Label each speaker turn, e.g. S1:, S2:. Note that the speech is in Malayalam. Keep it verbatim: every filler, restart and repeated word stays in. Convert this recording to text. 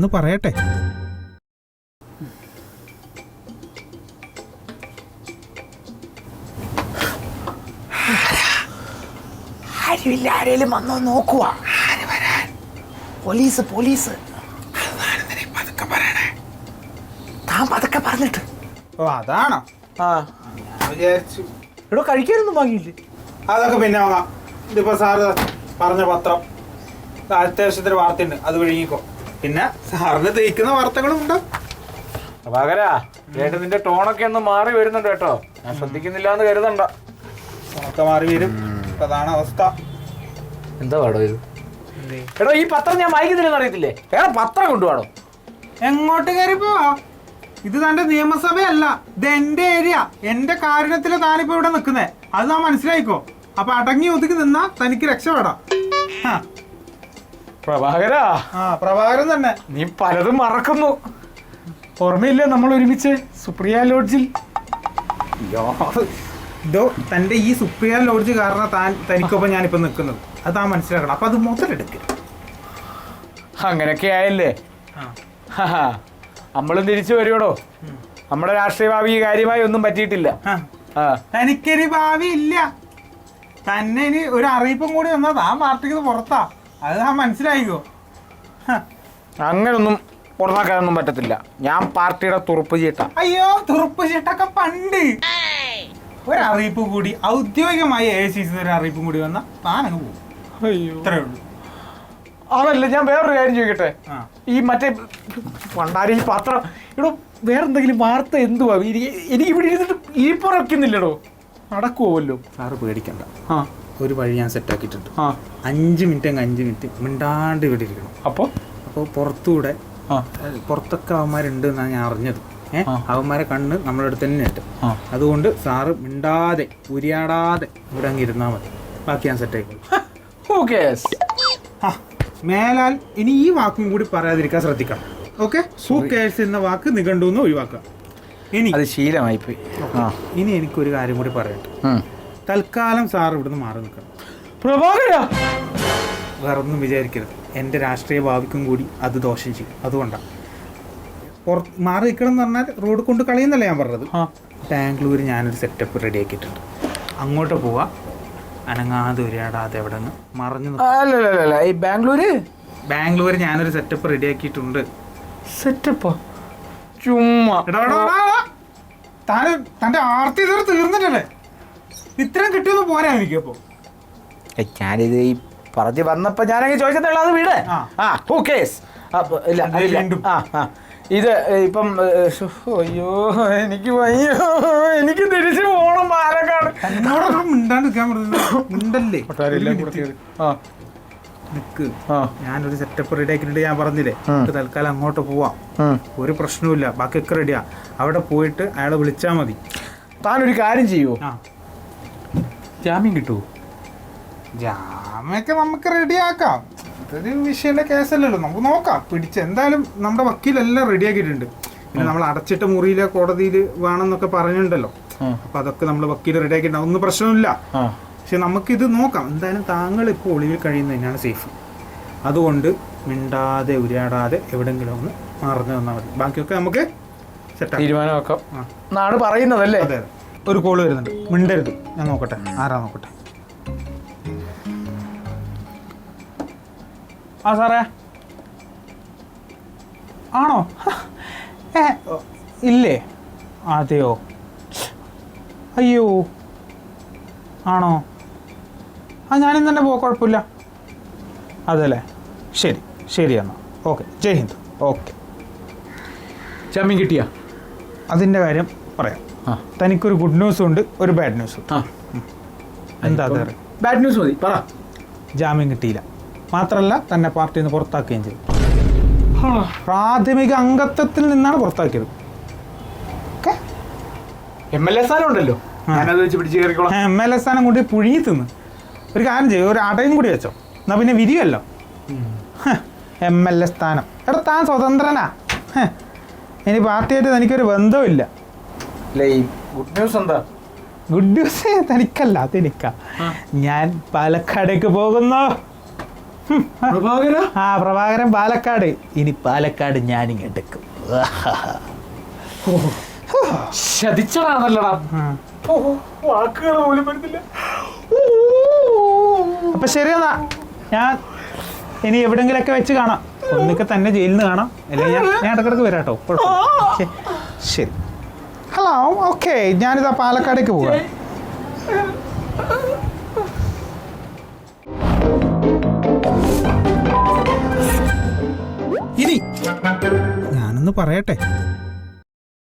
S1: ഞാനൊന്ന് പറയട്ടെ.
S2: ആരുമില്ല, ആരേലും വന്നോ നോക്കുക. ആര് വരാൻ? Police police. പതുക്കെ പറയണേ. താൻ പതുക്കെ പറഞ്ഞിട്ട്.
S1: ഓ അതാണോ?
S2: ആ
S1: ഞാൻ വിചാരിച്ചു
S2: ഇവിടെ കഴിക്കാനൊന്നും വാങ്ങിയില്ലേ?
S1: അതൊക്കെ പിന്നെ വാങ്ങാം. ഇതിപ്പോ സാറ് പറഞ്ഞ പത്രം അത്യാവശ്യത്തിന് വാർത്തയുണ്ട്, അത് വിഴുങ്ങിക്കോ. പിന്നെ സാറിന് തേക്കുന്ന വാർത്തകളും ഉണ്ട്.
S3: പകരാ ചേട്ടൻ നിന്റെ ടോണൊക്കെ ഒന്ന് മാറി വരുന്നുണ്ട് കേട്ടോ. ഞാൻ ശ്രദ്ധിക്കുന്നില്ല എന്ന് കരുതണ്ട.
S1: ഒക്കെ മാറി വരും. അതാണ് അവസ്ഥ.
S3: എന്താ പാടോ ഇത്? എടോ ഈ പത്രം ഞാൻ വായിക്കുന്നില്ലെന്ന് അറിയത്തില്ലേ? വേറെ പത്രം കൊണ്ടുപോകണം.
S1: എങ്ങോട്ട് കയറി പോവാ? ഇത് തന്റെ നിയമസഭയല്ല, ഇത് എന്റെ ഏരിയ. എന്റെ കാരുണ്യത്തില് താനിപ്പോ ഇവിടെ നിൽക്കുന്നേ, അത് നാം മനസ്സിലായിക്കോ. അപ്പൊ അടങ്ങി ഒതുക്കി നിന്നാ തനിക്ക് രക്ഷപ്പെടാം.
S3: പ്രഭാകരാ,
S1: ആ പ്രഭാകരൻ തന്നെ.
S3: നീ പലതും മറക്കുന്നു. ഓർമ്മയില്ലേ നമ്മൾ ഒരുമിച്ച് സുപ്രിയ ലോഡ്ജിൽ?
S1: ഇതോ തന്റെ ഈ സുപ്രിയ ലോഡ്ജ് കാരണം താൻ തനിക്കൊപ്പം ഞാനിപ്പോ നിൽക്കുന്നത്, അത് താൻ മനസ്സിലാക്കണം. അപ്പൊ അത് മുതലെടുക്കുക.
S3: അങ്ങനെയൊക്കെ ആയല്ലേ? നമ്മളും തിരിച്ചു വരുവടോ. നമ്മുടെ രാഷ്ട്രീയ ഭാവി കാര്യമായി ഒന്നും പറ്റിയിട്ടില്ല.
S1: തനിക്കൊരു ഭാവി ഇല്ല. തന്നെ ഇനി ഒരു അറിയിപ്പും കൂടി വന്നാ താൻ പാർട്ടിക്ക് പുറത്താ, അത് താൻ മനസ്സിലായിക്കോ.
S3: അങ്ങനൊന്നും പുറത്താക്കാനൊന്നും പറ്റത്തില്ല. ഞാൻ പാർട്ടിയുടെ തുറുപ്പ് ചീട്ട.
S1: അയ്യോ, തുറുപ്പ് ചീട്ടൊക്കെ പണ്ട്. ഒരറിയിപ്പ് കൂടി ഔദ്യോഗികമായി എ സി സി ഒരു അറിയിപ്പും കൂടി വന്നാൽ താനങ്ങ് പോകും.
S3: അയ്യോ,
S1: ഇത്രേ ഉള്ളൂ.
S3: അതല്ല, ഞാൻ വേറൊരു കാര്യം ചോദിക്കട്ടെ. ഈ മറ്റേ പണ്ടാരി ഈ പത്രം ഇവിടെ വേറെന്തെങ്കിലും വാർത്ത എന്തുവാ? എനിക്ക് ഇവിടെ ഇരുന്നിട്ട് ഇരിപ്പുറക്കുന്നില്ലടോ. നടക്കുമല്ലോ.
S1: സാറ് പേടിക്കണ്ട.
S3: ആ,
S1: ഒരു വഴി ഞാൻ സെറ്റാക്കിയിട്ടുണ്ട്.
S3: ആ,
S1: അഞ്ച് മിനിറ്റ് അങ്ങ് അഞ്ച് മിനിറ്റ് മിണ്ടാണ്ട് ഇവിടെ ഇരിക്കണം.
S3: അപ്പോൾ
S1: അപ്പോൾ പുറത്തൂടെ പുറത്തൊക്കെ അവന്മാരുണ്ട് എന്നാണ് ഞാൻ അറിഞ്ഞത്. ഏഹ് അവന്മാരെ കണ്ണ് നമ്മുടെ അടുത്ത് തന്നെ ഉണ്ട്. അതുകൊണ്ട് സാറ് മിണ്ടാതെ ഉരിയാടാതെ ഇവിടെ അങ്ങ് ഇരുന്നാൽ മതി. ബാക്കി ഞാൻ സെറ്റായിക്കോളൂ. ആ മേലാൽ ഇനി ഈ വാക്കും കൂടി പറയാതിരിക്കാൻ ശ്രദ്ധിക്കണം. ഓക്കെ? ഹൂ കെയർസ് എന്ന വാക്ക് നിഘണ്ടുന്ന് ഒഴിവാക്കുക. ഇനി
S3: അത് ശീലമായി പോയി.
S1: ഇനി എനിക്കൊരു കാര്യം കൂടി പറയട്ടെ. തൽക്കാലം സാർ ഇവിടുന്ന് മാറി നിൽക്കണം.
S3: പ്രഭാകര,
S1: വേറൊന്നും വിചാരിക്കരുത്. എൻ്റെ രാഷ്ട്രീയ ഭാവിക്കും കൂടി അത് ദോഷം ചെയ്യും. അതുകൊണ്ടാണ് പുറത്ത് മാറി നിൽക്കണം എന്ന് പറഞ്ഞാൽ റോഡ് കൊണ്ട് കളയുന്നല്ല ഞാൻ പറഞ്ഞത്. ബാംഗ്ലൂർ ഞാനൊരു സെറ്റപ്പ് റെഡി ആക്കിയിട്ടുണ്ട്. അങ്ങോട്ട് പോവാ, അനങ്ങാതെ ഉരിയാടാതെ എവിടെ നിന്ന് മറഞ്ഞു.
S3: അല്ലല്ല, ഈ ബാംഗ്ലൂര്
S1: ബാംഗ്ലൂർ ഞാനൊരു സെറ്റപ്പ് റെഡി ആക്കിയിട്ടുണ്ട്.
S3: സെറ്റപ്പോ? ചുമ്മാ
S1: താൻ തൻ്റെ ആർത്തി ഇതുവരെ തീർന്നിട്ടല്ലേ? ഇത്രയും കിട്ടിയൊന്നും പോരാ എനിക്ക്. അപ്പോൾ
S3: ഞാനിത് ഈ പറഞ്ഞു വന്നപ്പോ ഞാനങ്ങ് ചോദിച്ചതേ അത് വീട്. ആ ഹൂ കേസ്. ആ ആ ഇത് ഇപ്പം അയ്യോ എനിക്ക് വയ്യോ, എനിക്ക് തിരിച്ചു പോകണം പാലക്കാട്.
S1: മിണ്ടാണ്ടിരിക്കാൻ മിണ്ടല്ലേ. നിക്ക്,
S3: ആ
S1: ഞാനൊരു സെറ്റപ്പ് റെഡി ആക്കിയിട്ട് ഞാൻ പറഞ്ഞില്ലേ, തൽക്കാലം അങ്ങോട്ട് പോവാം. ഒരു പ്രശ്നവുമില്ല, ബാക്കിയൊക്കെ റെഡിയാ. അവിടെ പോയിട്ട് അയാളെ വിളിച്ചാൽ മതി.
S3: താനൊരു കാര്യം ചെയ്യുമോ?
S1: ആ
S3: ജാമ്യം കിട്ടുമോ?
S1: ജാമ്യമൊക്കെ നമുക്ക് റെഡിയാക്കാം. ഇതൊരു വിഷയന്റെ കേസല്ലല്ലോ, നമുക്ക് നോക്കാം. പിടിച്ച് എന്തായാലും നമ്മുടെ വക്കീലെല്ലാം റെഡിയാക്കിയിട്ടുണ്ട്. പിന്നെ നമ്മൾ അടച്ചിട്ട മുറിയിലെ കോടതിയിൽ വേണമെന്നൊക്കെ പറഞ്ഞിട്ടുണ്ടല്ലോ. അപ്പൊ അതൊക്കെ നമ്മൾ വക്കീൽ റെഡിയാക്കിയിട്ടുണ്ടാവും. ഒന്നും പ്രശ്നമില്ല. പക്ഷെ നമുക്കിത് നോക്കാം. എന്തായാലും താങ്കൾ ഇപ്പോൾ ഒളിവിൽ കഴിയുന്നത് തന്നെയാണ് സേഫ്. അതുകൊണ്ട് മിണ്ടാതെ ഉരിയാടാതെ എവിടെയെങ്കിലും ഒന്ന് മറന്നു തന്നാൽ മതി. ബാക്കിയൊക്കെ നമുക്ക് സെറ്റാക്കാം,
S3: തീരുമാനമാക്കാം എന്നാണ് പറയുന്നതല്ലേ?
S1: അതെ. ഒരു കോള് വരുന്നുണ്ട്, മിണ്ടരുത്. ഞാൻ നോക്കട്ടെ ആരാ നോക്കട്ടെ. ആ സാറേ, ആണോ? ഏ ഇല്ലേ? അതെയോ? അയ്യോ, ആണോ? ആ ഞാനിന്ന് തന്നെ പോകാം, കുഴപ്പമില്ല. അതല്ലേ, ശരി ശരി എന്നാൽ ഓക്കെ. ജയ് ഹിന്ദ്. ഓക്കെ.
S3: ജാമ്യം കിട്ടിയ
S1: അതിൻ്റെ കാര്യം പറയാം. തനിക്കൊരു ഗുഡ് ന്യൂസും ഉണ്ട്, ഒരു ബാഡ് ന്യൂസും. എന്താ അത്?
S3: ബാഡ് ന്യൂസ് മതി, പറ.
S1: ജാമ്യം കിട്ടിയില്ല, മാത്രമല്ല തന്നെ പാർട്ടിയിൽ നിന്ന് പുറത്താക്കുകയും ചെയ്തു. പ്രാഥമിക അംഗത്വത്തിൽ നിന്നാണ് പുറത്താക്കിയത്.
S3: എം എൽ എ സ്ഥാനം ഉണ്ടല്ലോ, ഞാനത് വെച്ച് പിടിച്ച് കയറിക്കോളാം.
S1: എം എൽ എ സ്ഥാനം കൊണ്ട് പുഴുങ്ങി തിന്ന്. ഒരു കാര്യം ചെയ്യും, ഒരു അടയും കൂടി വെച്ചോ, എന്നാ പിന്നെ വിരിയല്ലോ. എം എൽ എ സ്ഥാനം. എടാ താൻ സ്വതന്ത്രനാ. ഇനി പാർട്ടിയായിട്ട് തനിക്കൊരു ബന്ധമില്ല.
S3: ഗുഡ് ന്യൂസ് എന്താ?
S1: ഗുഡ് ന്യൂസ് തനിക്കല്ല, അതെനിക്കാ. ഞാൻ പാലക്കാടേക്ക് പോകുന്നു.
S2: പ്രഭാകര
S3: ആ പ്രഭാകരൻ പാലക്കാട്. ഇനി പാലക്കാട് ഞാനിങ്ങെടുക്കും.
S2: ശതിച്ചതാണല്ലടാ. വാക്കുകൾ പോലും വരുന്നില്ല.
S1: അപ്പൊ ശരിയെന്നാ, ഞാൻ ഇനി എവിടെങ്കിലൊക്കെ വെച്ച് കാണാം. ഒന്നിക്കെ തന്നെ ജയിലിൽ നിന്ന് കാണാം, അല്ലെങ്കിൽ ഞാൻ ഞാൻ ഇടക്കിടക്ക് വരാം കേട്ടോ. കുഴപ്പമില്ല. ശരി. ഹലോ, ഓക്കെ, ഞാനിതാ പാലക്കാടേക്ക് പോവാം. ഇനി ഞാനൊന്ന് പറയട്ടെ.